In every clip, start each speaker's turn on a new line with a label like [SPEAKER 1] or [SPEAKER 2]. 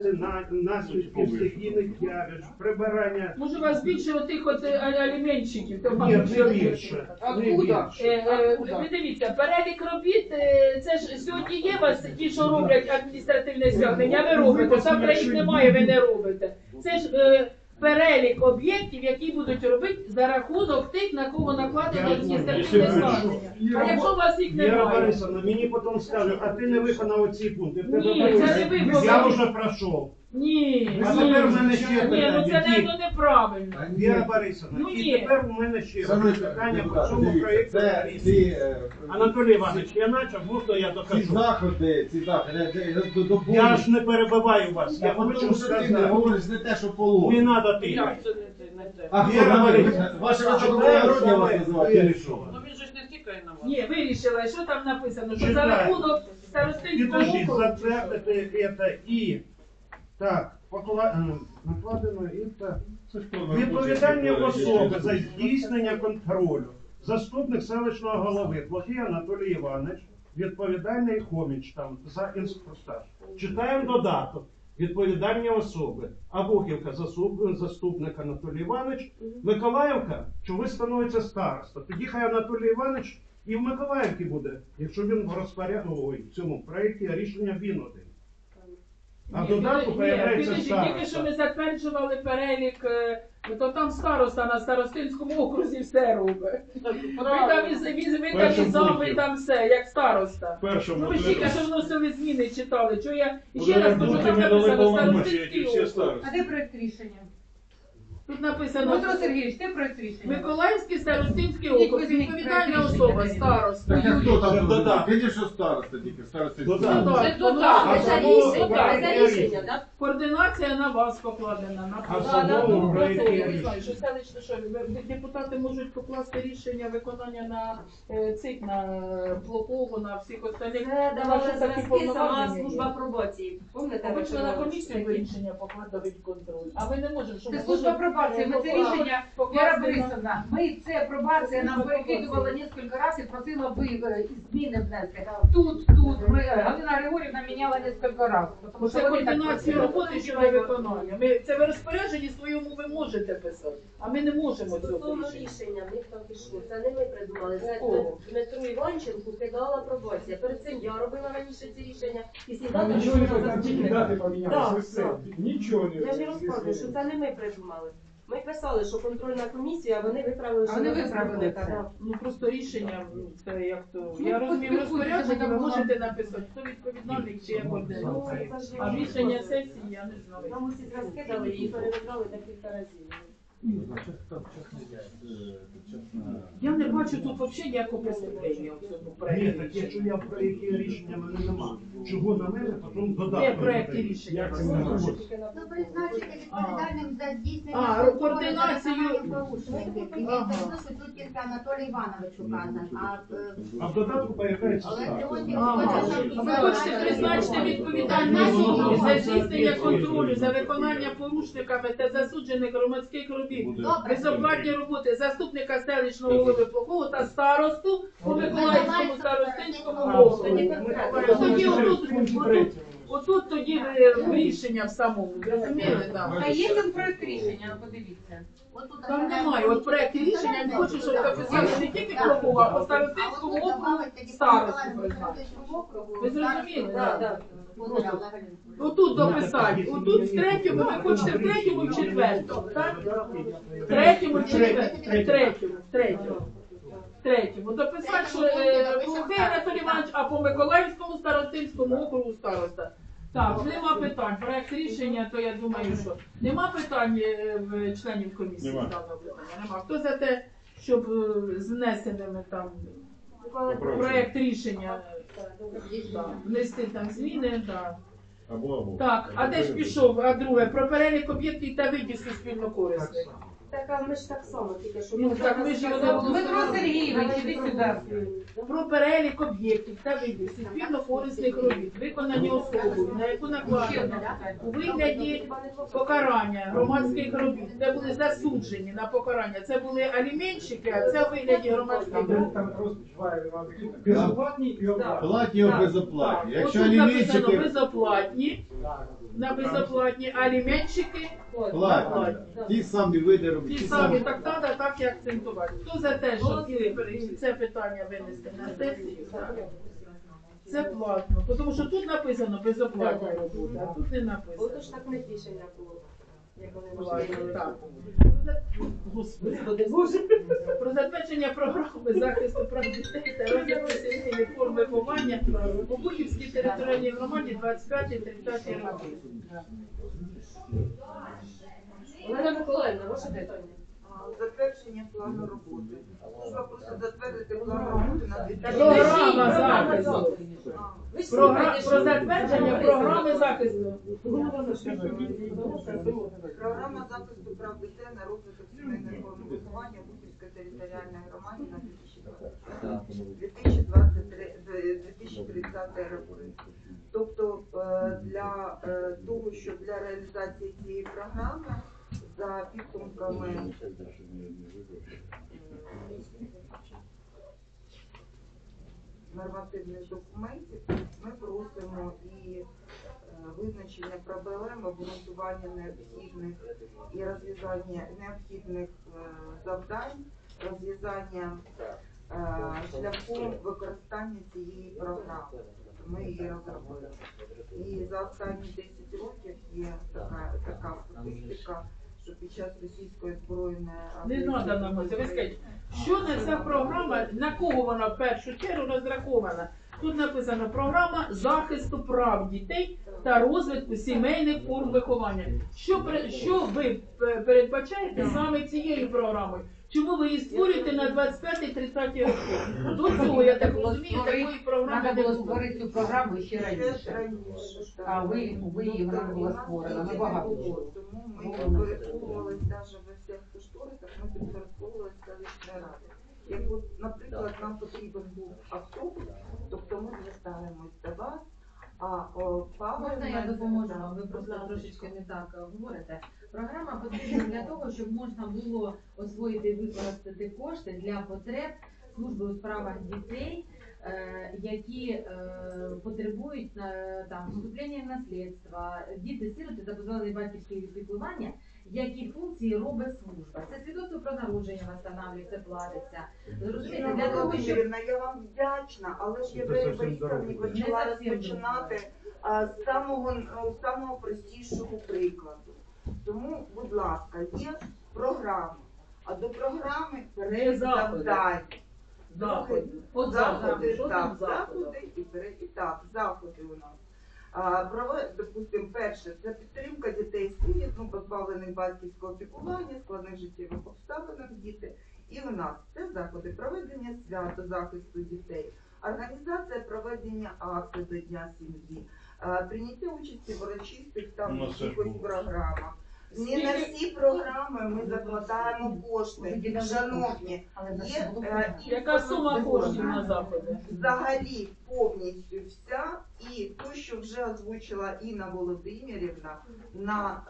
[SPEAKER 1] наслідків стихійних явищ, прибирання.
[SPEAKER 2] Може, у вас більше отих от аліменщиків?
[SPEAKER 1] Ні, не більше.
[SPEAKER 2] Ви дивіться, перелік робіт, це ж сьогодні є у вас ті, що роблять адміністративне стягнення, ви робите, завтра їх немає, ви не робите. Це ж перелік об'єктів, які будуть робити за рахунок тих, на кого накладено адміністративне стягнення. А якщо у вас їх
[SPEAKER 1] Віра
[SPEAKER 2] немає?
[SPEAKER 1] Борисовна, мені потім скажуть, а ти не виконав оці пункти.
[SPEAKER 2] Ні, це не ви.
[SPEAKER 1] Я вже пройшов.
[SPEAKER 2] Ні,
[SPEAKER 1] А тепер в мене ще
[SPEAKER 2] ні, ну
[SPEAKER 1] питання.
[SPEAKER 2] це неправильно.
[SPEAKER 1] Віра Борисовна,
[SPEAKER 2] Ну,
[SPEAKER 1] і
[SPEAKER 2] ні.
[SPEAKER 1] тепер у мене ще питання по цьому проєкту. Анатолій Іванович, я почав, можна я
[SPEAKER 3] Ці
[SPEAKER 1] докажу?
[SPEAKER 3] заходи,
[SPEAKER 1] Я ж не перебиваю вас, я хочу
[SPEAKER 3] тому що ти не
[SPEAKER 1] сказати.
[SPEAKER 3] говориш не те, що
[SPEAKER 1] Не
[SPEAKER 3] положено.
[SPEAKER 1] треба ти.
[SPEAKER 2] Як це не те?
[SPEAKER 3] А хто
[SPEAKER 1] Віра
[SPEAKER 3] там?
[SPEAKER 1] Борисівна,
[SPEAKER 3] Ваше
[SPEAKER 1] читаю,
[SPEAKER 3] високоблагородня вас
[SPEAKER 1] що
[SPEAKER 3] називає,
[SPEAKER 1] ви
[SPEAKER 3] чи що?
[SPEAKER 4] Ну він же ж не тікає на вас.
[SPEAKER 2] Ні, вирішила, що там написано, що за
[SPEAKER 1] Читаю.
[SPEAKER 2] рахунок старостинського
[SPEAKER 1] Підождіть,
[SPEAKER 2] округу.
[SPEAKER 1] затвердити це і так, накладено і так. Відповідальні особи за здійснення контролю. Заступник селищного голови Плохий Анатолій Іванович, відповідальний Хоміч там за інструктаж. Читаємо додаток. Відповідальні особи. Абухівка заступник Анатолій Іванович, Миколаївка, чого становиться староста. Тоді хай Анатолій Іванович і в Миколаївці буде, якщо він в цьому проєкті рішення він один. А в додатку появляється
[SPEAKER 2] Тільки що
[SPEAKER 1] староста.
[SPEAKER 2] ми затверджували перелік, то там староста на старостинському окрузі все робить. Ви там і зам, і там все, як староста. Ну ви тільки що вносили зміни, читали. Чого я ще раз кажу, там написано старостинський округ.
[SPEAKER 5] А де проєкт рішення?
[SPEAKER 2] Тут написано
[SPEAKER 5] Дмитро Сергійович, де проєкт рішення?
[SPEAKER 2] Миколаївський старостинський округ, відповідальна особа, староста.
[SPEAKER 3] Так а хто там
[SPEAKER 1] Додаток.
[SPEAKER 3] додав? Видиш, що староста тільки, староста.
[SPEAKER 1] Додаток.
[SPEAKER 2] Це додаток.
[SPEAKER 1] Це рішення,
[SPEAKER 4] так?
[SPEAKER 2] Координація на вас покладена, на
[SPEAKER 1] А в
[SPEAKER 2] вас.
[SPEAKER 1] самому проєкті
[SPEAKER 2] Я не
[SPEAKER 1] рішення.
[SPEAKER 2] знаю, що селищно, що депутати можуть покласти рішення виконання на цих, на Плохого, на всіх остальних.
[SPEAKER 6] Це давали
[SPEAKER 2] Наші такі
[SPEAKER 6] зразки сама
[SPEAKER 2] повноваження
[SPEAKER 6] служба
[SPEAKER 2] є.
[SPEAKER 6] пробації.
[SPEAKER 2] А
[SPEAKER 6] Пам'ятаєте,
[SPEAKER 2] ви члени комісії ви рішення покладають контроль. А ви не можете, що
[SPEAKER 5] Це
[SPEAKER 2] ми
[SPEAKER 5] служба
[SPEAKER 2] можемо,
[SPEAKER 5] пробації, ми це рішення,
[SPEAKER 2] покласти
[SPEAKER 5] Віра
[SPEAKER 2] на-
[SPEAKER 5] Борисовна, ми це пробація нам
[SPEAKER 2] Служба
[SPEAKER 5] перекидувала
[SPEAKER 2] пробації.
[SPEAKER 5] кілька разів, просила ви зміни внести. Тут, Галина Григорівна міняла кілька разів. Тому
[SPEAKER 2] Це
[SPEAKER 5] що вони так
[SPEAKER 2] координація
[SPEAKER 5] просили.
[SPEAKER 2] роботи щодо виконання. Це ви розпорядженні своєму ви можете писати, а ми не можемо цього
[SPEAKER 6] Стосовно
[SPEAKER 2] рішення.
[SPEAKER 6] рішення, в них так пішло. Це не ми придумали. Це
[SPEAKER 2] Кого?
[SPEAKER 6] Дмитру Іванченку кидала пробація. Перед цим я робила раніше ці рішення. І
[SPEAKER 7] Там нічого не там тільки дати помінялися, все. Нічого не
[SPEAKER 6] Я ж і розказую, що це не ми придумали. Ми писали, що контрольна комісія, а вони виправили,
[SPEAKER 5] А
[SPEAKER 6] що
[SPEAKER 5] вони
[SPEAKER 6] ми
[SPEAKER 5] виправили
[SPEAKER 6] зробили.
[SPEAKER 5] це.
[SPEAKER 2] Ну просто рішення, це як то.
[SPEAKER 5] Ну,
[SPEAKER 2] Я розумію
[SPEAKER 5] поспілкуйтеся,
[SPEAKER 2] розпорядження, ви
[SPEAKER 5] там
[SPEAKER 2] можете написати, хто відповідальний, чи як
[SPEAKER 6] Ну,
[SPEAKER 2] координація.
[SPEAKER 6] це ж
[SPEAKER 2] А рішення сесії я не знаю.
[SPEAKER 6] Нам усі розкидали і перевикали декілька разів.
[SPEAKER 2] Я не бачу тут взагалі ніякого преступлення в цьому
[SPEAKER 1] Ні,
[SPEAKER 2] проєкті.
[SPEAKER 1] так якщо я в проєкті рішення мене нема. Чого на мене, потім
[SPEAKER 2] Де
[SPEAKER 1] додаток.
[SPEAKER 2] проєкті рішення?
[SPEAKER 7] Як це не може?
[SPEAKER 8] Ну, призначити відповідальним за здійснення
[SPEAKER 2] А,
[SPEAKER 8] контролю
[SPEAKER 2] координацію.
[SPEAKER 8] за виконанням порушників. І
[SPEAKER 2] Ага.
[SPEAKER 8] відповідно, що тут тільки Анатолій Іванович указан.
[SPEAKER 1] А в додатку появляється
[SPEAKER 8] Але
[SPEAKER 1] староста.
[SPEAKER 8] сьогодні
[SPEAKER 2] Ага. А ви хочете призначити відповідальні особи за здійснення контролю за виконання порушниками та засуджених громадських робіт,
[SPEAKER 8] Добре.
[SPEAKER 2] безоплатні роботи заступника селищного голови Плохого та старосту по Миколаївському старостинському округу. Отут тоді рішення в самому, зрозуміли?
[SPEAKER 5] Та є там проєкт рішення, подивіться.
[SPEAKER 2] Там немає, от проєкт рішення, я хочу, щоб записали не тільки Плохого, а по старостинському округу старосту призначити. Ви зрозуміли?
[SPEAKER 6] Так, так.
[SPEAKER 2] Отут дописати, отут в третьому, ви хочете в третьому і в четвертому, так? В третьому, в четвертому, в третьому. Дописати, що Плохий Анатолій Іванович, а по Миколаївському старостинському округу староста. Так, нема питань. Проект рішення, то я думаю, що нема питань в членів комісії з даного питання. Нема. Хто за те, щоб з внесеними там проект рішення внести там зміни, так. Так, а де ж пішов? А друге, про перелік об'єктів та видів суспільно корисних.
[SPEAKER 6] Так, а ми ж так само, тільки що...
[SPEAKER 2] Ну, так ми ж його
[SPEAKER 5] Дмитро Сергійович, іди сюди.
[SPEAKER 2] Про перелік об'єктів та видів суспільно корисних робіт, виконані особою, на яку накладено у вигляді покарання громадських робіт, де були засуджені на покарання. Це були аліменщики, а це у вигляді громадських робіт.
[SPEAKER 7] Там безоплатні і оплатні.
[SPEAKER 3] Платні або безоплатні. Якщо
[SPEAKER 2] Отут написано
[SPEAKER 3] аліменщики...
[SPEAKER 2] безоплатні, на безоплатні, а аліментщики
[SPEAKER 3] Платні. Ті самі види робити.
[SPEAKER 2] ті самі, так треба так і акцентувати. Хто за те, щоб це питання винести на сесію? Так. Це платно, тому що тут написано безоплатна робота, а тут не написано.
[SPEAKER 6] Ото ж так не рішення було. Як вони
[SPEAKER 2] Платно,
[SPEAKER 6] можливо.
[SPEAKER 2] так. Господи.
[SPEAKER 6] Господи Боже.
[SPEAKER 2] Про затвердження програми захисту прав дітей та розвитку сімейної форм виховання у Бухівській територіальній громаді 25-30 роки.
[SPEAKER 6] Олена Миколаївна, ваше питання.
[SPEAKER 4] Затвердження плану роботи. Служба просить затвердити план роботи на 2000.
[SPEAKER 2] Програма захисту.
[SPEAKER 6] Ви ж
[SPEAKER 2] Про
[SPEAKER 6] слухайте, що
[SPEAKER 2] затвердження програми захисту.
[SPEAKER 4] Програма захисту прав дітей на розвиток сімейної форми виховання у Бухівської територіальної громаді на 2030 роки. Тобто для того, що для реалізації цієї програми за підсумками нормативних документів ми просимо і визначення проблем, обґрунтування необхідних і розв'язання необхідних завдань, розв'язання шляхом використання цієї програми. Ми її розробили. І за останні 10 років є така статистика, що під час російської збройної
[SPEAKER 2] Не треба нам це. Ви скажіть, що на ця програма, на кого вона в першу чергу розрахована? Тут написано програма захисту прав дітей та розвитку сімейних форм виховання. Що ви передбачаєте саме цією програмою? Чому ви її створюєте на 25-30 роки? До цього, я так розумію, такої програми
[SPEAKER 5] Треба
[SPEAKER 2] не
[SPEAKER 5] було
[SPEAKER 2] було.
[SPEAKER 5] створити цю програму ще раніше. А ви її вона була створена набагато.
[SPEAKER 4] Тому ми підпорядковувалися навіть во всіх кошторисах, ми підпорядковувалися селищної ради. Як от, наприклад, нам потрібен був автобус, тобто ми звертаємось до вас, а
[SPEAKER 9] Можна я допоможу вам? Ви просто трошечки не так говорите. Програма потрібна для того, щоб можна було освоїти і використати кошти для потреб служби у справах дітей, які потребують там вступлення в наслідство, діти-сироти та позбавлені батьківського піклування, які функції робить служба. Це свідоцтво про народження встановлюється, платиться. Зрозумієте, для того, щоб...
[SPEAKER 4] Володимирівна, я вам вдячна, але ж я Борисовні почала розпочинати з самого простішого прикладу. Тому, будь ласка, є програма, а до програми перелік завдань.
[SPEAKER 2] Заходи. От
[SPEAKER 4] Заходи,
[SPEAKER 2] Що
[SPEAKER 4] так,
[SPEAKER 2] там заходи?
[SPEAKER 4] заходи і перелік. І так, заходи у нас. Допустимо, перше, це підтримка дітей-сиріт, позбавлених батьківського піклування, складних життєвих обставинах діти. І у нас це заходи проведення свято захисту дітей, організація проведення акцій до Дня сім'ї, прийняття участі в урочистих там якихось програмах. Не на всі програми ми закладаємо кошти. Шановні, є
[SPEAKER 2] Яка сума коштів на заходи?
[SPEAKER 4] взагалі повністю вся, і то, що вже озвучила Інна Володимирівна на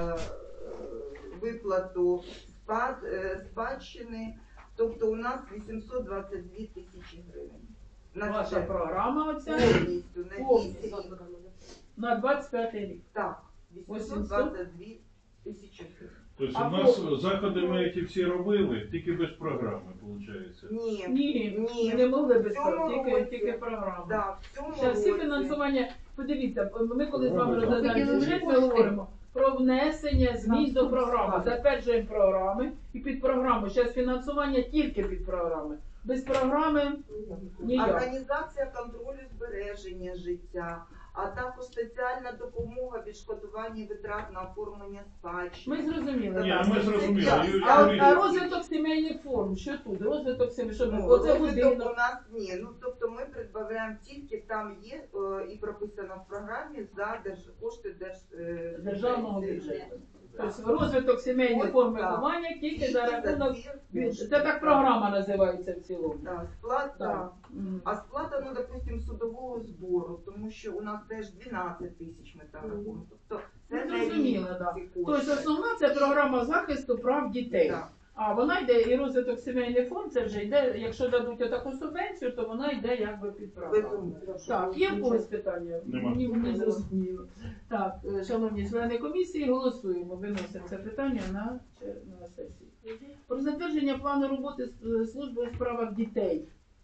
[SPEAKER 4] виплату спадщини, тобто у нас 822 тисячі гривень. На
[SPEAKER 2] Ваша
[SPEAKER 4] це
[SPEAKER 2] програма оця
[SPEAKER 4] повністю на
[SPEAKER 2] Повністю.
[SPEAKER 4] 8 рік.
[SPEAKER 2] на 25 рік.
[SPEAKER 4] Так, 822 тисячі гривень.
[SPEAKER 10] Тобто
[SPEAKER 2] А
[SPEAKER 10] у нас заходи ми ті всі робили, тільки без програми, виходить.
[SPEAKER 4] Ні,
[SPEAKER 2] Ні, ми не могли без
[SPEAKER 4] В цьому
[SPEAKER 2] тільки
[SPEAKER 4] році.
[SPEAKER 2] програма.
[SPEAKER 4] да, в цьому
[SPEAKER 2] Зараз всі
[SPEAKER 4] році.
[SPEAKER 2] фінансування, подивіться, ми коли з вами
[SPEAKER 10] Робимо.
[SPEAKER 2] розглядаємо бюджет, ми говоримо про внесення змін до програми, затверджуємо програми і під програму. Зараз фінансування тільки під програми. Без програми ніяк.
[SPEAKER 4] Організація контролю збереження життя, а також соціальна допомога відшкодування витрат на оформлення спадщини.
[SPEAKER 2] Ми зрозуміли.
[SPEAKER 10] Ні,
[SPEAKER 2] так.
[SPEAKER 10] ми зрозуміли. Юрій
[SPEAKER 2] А
[SPEAKER 10] Юрійович,
[SPEAKER 2] розвиток сімейних форм, що тут? Розвиток сімейних, що
[SPEAKER 4] Ну,
[SPEAKER 2] оце
[SPEAKER 4] розвиток
[SPEAKER 2] будинок.
[SPEAKER 4] у нас ні. Ну тобто ми придбавляємо тільки там є і прописано в програмі за кошти
[SPEAKER 2] Державного бюджету. Тобто розвиток сімейних форм виховання тільки за рахунок. Це так програма називається в цілому.
[SPEAKER 4] Так, сплата.
[SPEAKER 2] Так. Мгм.
[SPEAKER 4] А сплата, ну, допустим, судового збору, тому що у нас теж 12 тисяч ми там рахуємо. Тобто це
[SPEAKER 2] Ну,
[SPEAKER 4] не
[SPEAKER 2] зрозуміло,
[SPEAKER 4] рівні
[SPEAKER 2] так.
[SPEAKER 4] ці
[SPEAKER 2] Тобто
[SPEAKER 4] кошти.
[SPEAKER 2] основна це програма захисту прав дітей.
[SPEAKER 4] Так.
[SPEAKER 2] А вона йде і розвиток сімейний фонд, це вже йде, якщо дадуть отаку субвенцію, то вона йде якби під програму. Так, є в когось питання?
[SPEAKER 10] Нема.
[SPEAKER 2] Мені зрозуміло. Так, шановні члени комісії, голосуємо, виносимо це питання на сесію. Про затвердження плану роботи служби у справах дітей.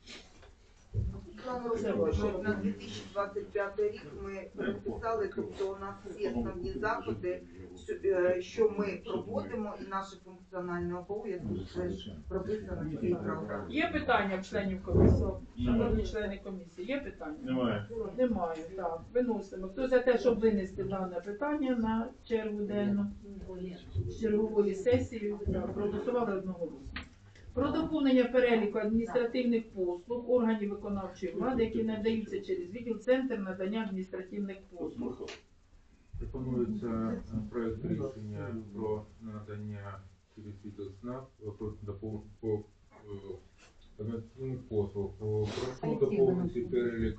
[SPEAKER 4] План роботи на 2025 рік ми розписали, тобто у нас всі основні заходи, що ми проводимо, і наші функціональні обов'язки теж прописано в цій програмі.
[SPEAKER 2] Є питання в членів комісії? Шановні члени комісії, є питання?
[SPEAKER 10] Немає.
[SPEAKER 2] Немає, так. Виносимо. Хто за те, щоб винести дане питання на чергу денну з чергової сесії, проголосували одноголосно. Про доповнення переліку адміністративних послуг органів виконавчої влади, які надаються через відділ Центр надання адміністративних послуг.
[SPEAKER 11] Пропонується проект рішення про надання через відділ СНАП по адміністративних послуг. Прошу доповнити перелік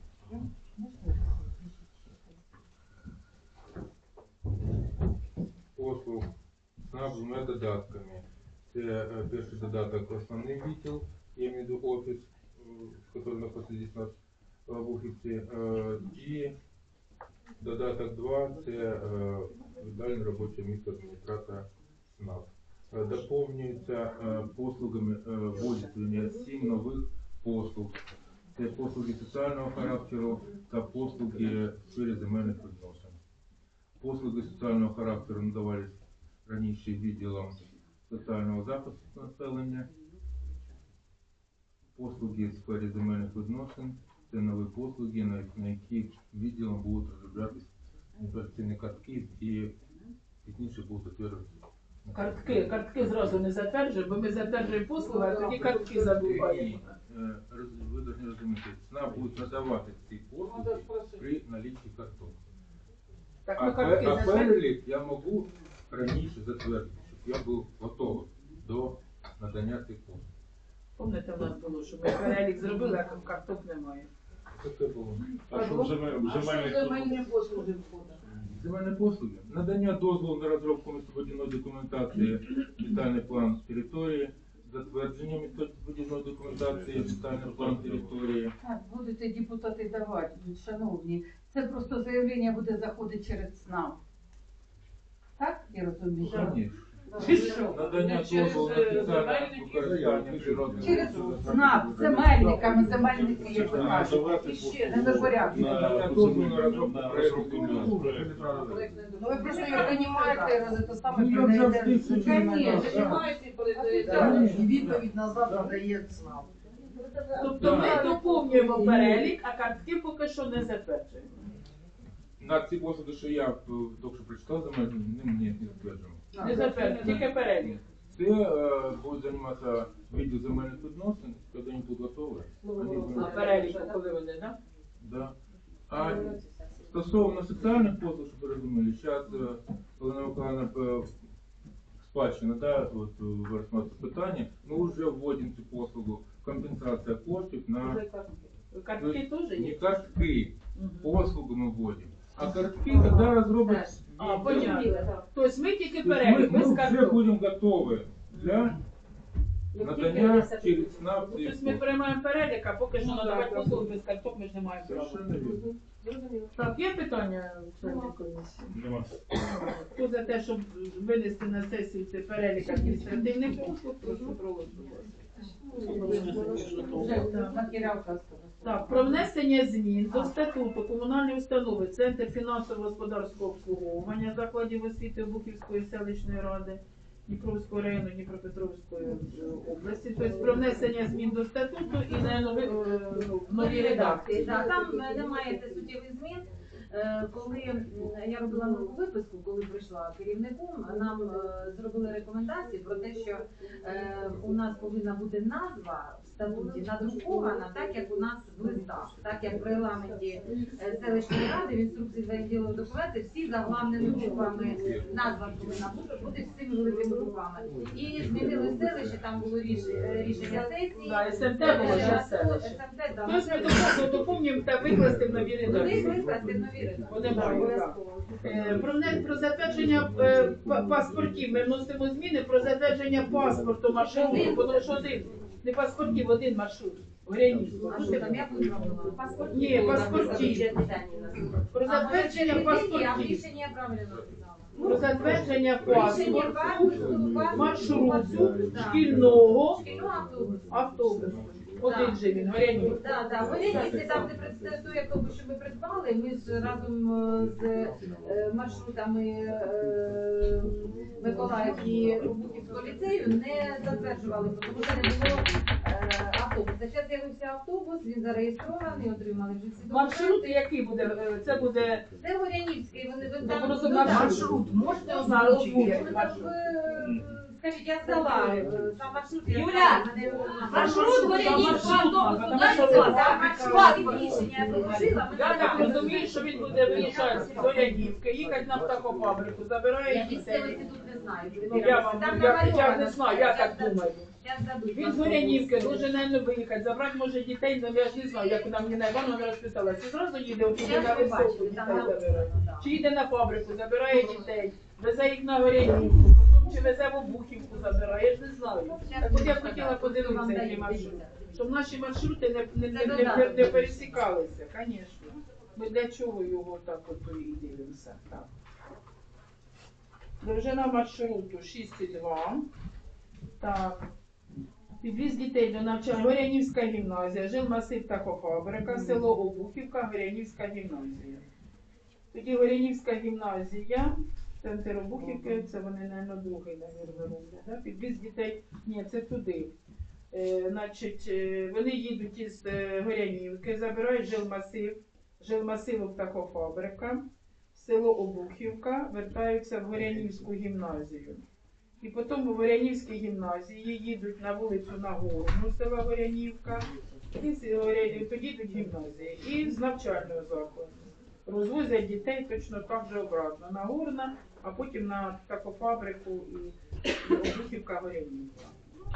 [SPEAKER 11] послуг СНАП з двома додатками. Це перший додаток основний відділ, я маю в виду офіс, який знаходиться здесь в Обухівці, і додаток 2 – це віддальне робоче місце адміністратора СНАП. Доповнюється послугами вводиться 7 нових послуг. Це послуги соціального характеру та послуги в сфері земельних відносин. Послуги соціального характеру надавались раніше відділом соціального захисту населення. Послуги в сфері земельних відносин – це нові послуги, на які відділом будуть розроблятися операційні картки і пізніше будуть затверджуватися.
[SPEAKER 2] Картки зразу не затверджуємо, бо ми затверджуємо послуги, а тоді картки забуваємо.
[SPEAKER 11] Ви повинні розуміти, ЦНАП буде надавати ці послуги при наліччі карток.
[SPEAKER 2] Так,
[SPEAKER 11] А
[SPEAKER 2] ми картки затверджуємо.
[SPEAKER 11] перелік я можу раніше затвердити, щоб я був готовий до надання цих послуг.
[SPEAKER 2] Пам'ятаєте, у нас було, що ми перелік зробили, а карток немає.
[SPEAKER 11] Таке було.
[SPEAKER 10] А що в земельних
[SPEAKER 2] послуги входить?
[SPEAKER 11] Земельні послуги. Надання дозволу на розробку містобудівної документації, детальний план території, затвердження містобудівної документації, детальний план території.
[SPEAKER 5] Так, будете депутати давати, шановні. Це просто заявлення буде заходити через СНАП. Так, я розумію?
[SPEAKER 11] Звісно. Надання дозволу на спеціальне використання природних
[SPEAKER 5] Через
[SPEAKER 11] ресурсів.
[SPEAKER 5] СНАП, земельниками, земельники, як ви кажете. Не за порядку.
[SPEAKER 11] Надання дозволу на розробку проєкту.
[SPEAKER 5] Ну ви просто його приймаєте, це саме
[SPEAKER 7] Ну, як завжди,
[SPEAKER 5] І відповідь назад надає СНАП.
[SPEAKER 2] Тобто ми доповнюємо перелік, а картки поки що не затверджуємо.
[SPEAKER 11] На ці послуги, що я тільки що прочитав, за мене не затверджуємо.
[SPEAKER 2] Не затверджуємо, тільки перелік.
[SPEAKER 11] Це буде займатися відділ земельних відносин, коли вони будуть готові.
[SPEAKER 2] А перелік, коли вони, так?
[SPEAKER 11] Да. А стосовно соціальних послуг, щоб ви розуміли, зараз Олена Миколаївна спадщина, да, от ви розглядаєте питання, ми вже вводимо цю послугу, компенсація коштів на...
[SPEAKER 2] Картки теж
[SPEAKER 11] Не
[SPEAKER 2] є?
[SPEAKER 11] картки, послугу ми вводимо. А картки, коли розроблять...
[SPEAKER 2] А, понятно. Тобто ми тільки
[SPEAKER 11] Ми
[SPEAKER 2] перелік, без
[SPEAKER 11] вже
[SPEAKER 2] карток.
[SPEAKER 11] будемо готові для надання через СНАП.
[SPEAKER 2] Тобто ми приймаємо перелік, а поки що надавати послуги без карток ми ж не маємо права.
[SPEAKER 11] Совершенно вірно.
[SPEAKER 2] Так, є питання в членів комісії?
[SPEAKER 10] Нема.
[SPEAKER 2] Хто за те, щоб винести на сесію цей перелік адміністративних послуг, прошу проголосувати.
[SPEAKER 5] Матеріал
[SPEAKER 2] Так, про внесення змін до статуту комунальної установи Центр фінансово-господарського обслуговування закладів освіти Обухівської селищної ради Дніпровського району Дніпропетровської області. Тобто про внесення змін до статуту і на нові редакції.
[SPEAKER 9] Так, там немає суттєвих змін. Коли я робила нову виписку, коли прийшла керівником, нам зробили рекомендації про те, що у нас повинна бути назва в статуті надрукована, так як у нас в листах, так як в регламенті селищної ради, в інструкції за відділом документів, всі заглавними буквами назва повинна бути всіми великими буквами. І змінили селище, там було рішення сесії.
[SPEAKER 2] Да, СМТ було вже селище.
[SPEAKER 9] СМТ, да.
[SPEAKER 2] Тобто ми доповнюємо та викласти в нові
[SPEAKER 9] Вони
[SPEAKER 2] редакції.
[SPEAKER 9] викласти в нові
[SPEAKER 2] Вони мають, так. Про затвердження паспортів ми вносимо зміни про затвердження паспорту маршруту, тому що не паспортів, один маршрут. Горянівського. Ні, паспортів. Про затвердження паспортів. Про затвердження паспорту маршруту шкільного автобусу. Один же він, Горянів.
[SPEAKER 9] Так, Горянівський, там, де той автобус, що ми придбали, ми ж разом з маршрутами Миколаїв і Бухівського ліцею не затверджували, тому що не було автобуса. Зараз з'явився автобус, він зареєстрований, отримали вже всі
[SPEAKER 2] Маршрут який буде? Це буде...
[SPEAKER 9] Це Горянівський, вони там...
[SPEAKER 2] Просто маршрут, можете озвучити?
[SPEAKER 9] Скажіть, я здала сам маршрут.
[SPEAKER 6] Юля, маршрут Горянівського
[SPEAKER 9] рішення положила.
[SPEAKER 2] Я так розумію, що він буде виїжджати з Горянівки, їхати на птахофабрику, забирає дітей.
[SPEAKER 9] тут не знаю.
[SPEAKER 2] Я не знаю, я так думаю. Він з Горянівки дуже, мабуть, виїхати, забрати може дітей, але я ж не знаю, як нам Ніна Івановна розписала. Чи зразу їде отуди на високу дітей забирає? Чи їде на фабрику, забирає дітей, везе їх на Горянівку, потім чи везе в Обухівку забирає, я ж не знаю. Так от я б хотіла подивитися, який маршрут. Щоб наші маршрути не пересікалися, звісно. Ми для чого його так от і дивимося. Так. Довжина маршруту 6,2. Так. Підвіз дітей до навчання. Горянівська гімназія, жилмасив птахофабрика, село Обухівка, Горянівська гімназія. Тоді Горянівська гімназія, центр Обухівки, це вони, мабуть, другий, роблять. Да? Підвіз дітей, ні, це туди. Значить, вони їдуть із Горянівки, забирають жилмасиву птахофабрика, село Обухівка, вертаються в Горянівську гімназію. І потім у Горянівській гімназії їдуть на вулицю Нагорну, села Горянівка, і тоді йдуть гімназії. І з навчального закладу. Розвозять дітей точно так же обратно. Нагорна, а потім на птахофабрику і Обухівка Горянівка.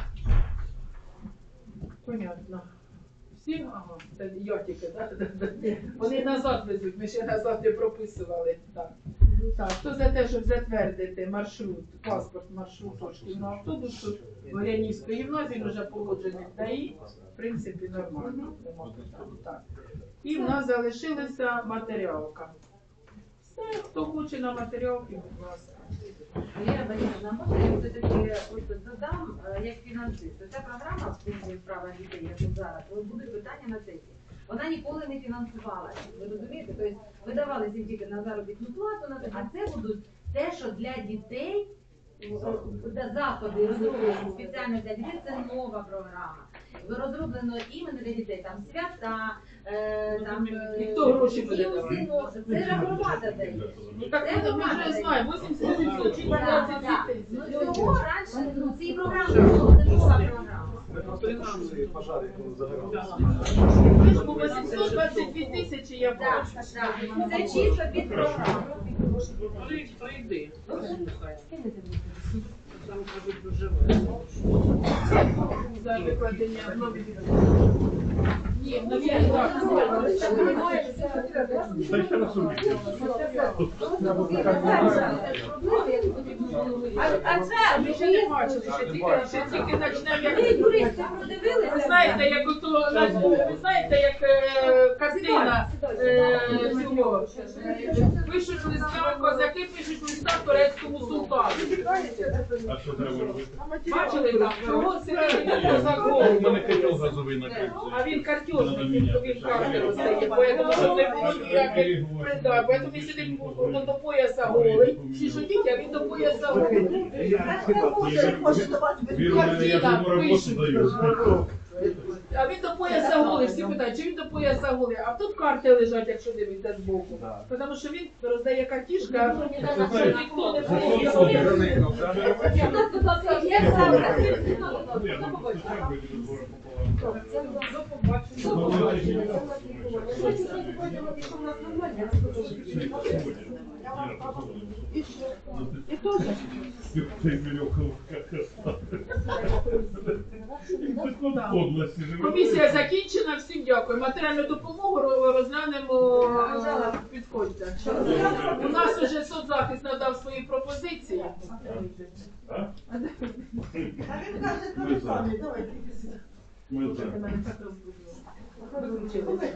[SPEAKER 2] Понятно. Всі? Ага, це я тільки, так? Вони назад везуть, ми ще назад не прописували. Так. Так, хто за те, щоб затвердити маршрут, паспорт маршруту шкільного автобусу Горянівської гімназії, вже погоджений ДАІ, в принципі, нормально. Так. І в нас залишилася матеріалка. Все, хто хоче на матеріалки, будь ласка.
[SPEAKER 9] Віра Борисовна, можна я все-таки ось додам, як фінансист. Ця програма в службі справах дітей, як зараз, буде питання на сесії. Вона ніколи не фінансувалася. Ви розумієте? Тобто видавалися тільки на заробітну плату, а це будуть те, що для дітей, заходи розроблені спеціально для дітей, це нова програма. Розроблено іменно для дітей, там свята, там
[SPEAKER 2] хто гроші буде давати?
[SPEAKER 9] Це ж громада дає.
[SPEAKER 2] Ну так ми вже знаємо, 80% чи 20 дітей.
[SPEAKER 9] Ну цього раніше, ну ці програми було, це нова програма.
[SPEAKER 7] Пожари, коли загорали.
[SPEAKER 2] Ми ж по 822 тисячі я бачу.
[SPEAKER 9] Це чисто під програму.
[SPEAKER 2] Прийди. Там кажуть дуже за викладення нові ні, нові так. А це ми ще не бачили, ще тільки почнемо, як ви знаєте, як ото ви знаєте, як картина цього. Пишуть листа, козаки пишуть листа турецькому султану.
[SPEAKER 10] А що треба робити?
[SPEAKER 2] Бачили там, чого сидить козак
[SPEAKER 10] У мене
[SPEAKER 2] голий?
[SPEAKER 10] котел газовий накрив.
[SPEAKER 2] А він картежник, він карти роздає, поэтому що не було ніяких придав. Поэтому він сидить до пояса голий, всі шутять, а він до пояса голий.
[SPEAKER 10] Він у мене, я ж йому роботу даю.
[SPEAKER 2] А він до пояса голий, всі питають, чи він до пояса голий, а тут карти лежать, якщо дивитися збоку. Тому що він роздає картішка, що ніхто не
[SPEAKER 10] Це
[SPEAKER 2] буде. До побачення. І теж. Комісія закінчена, всім дякую. Матеріальну допомогу розглянемо, підходьте. У нас уже соцзахист надав свої пропозиції.
[SPEAKER 10] Ми за.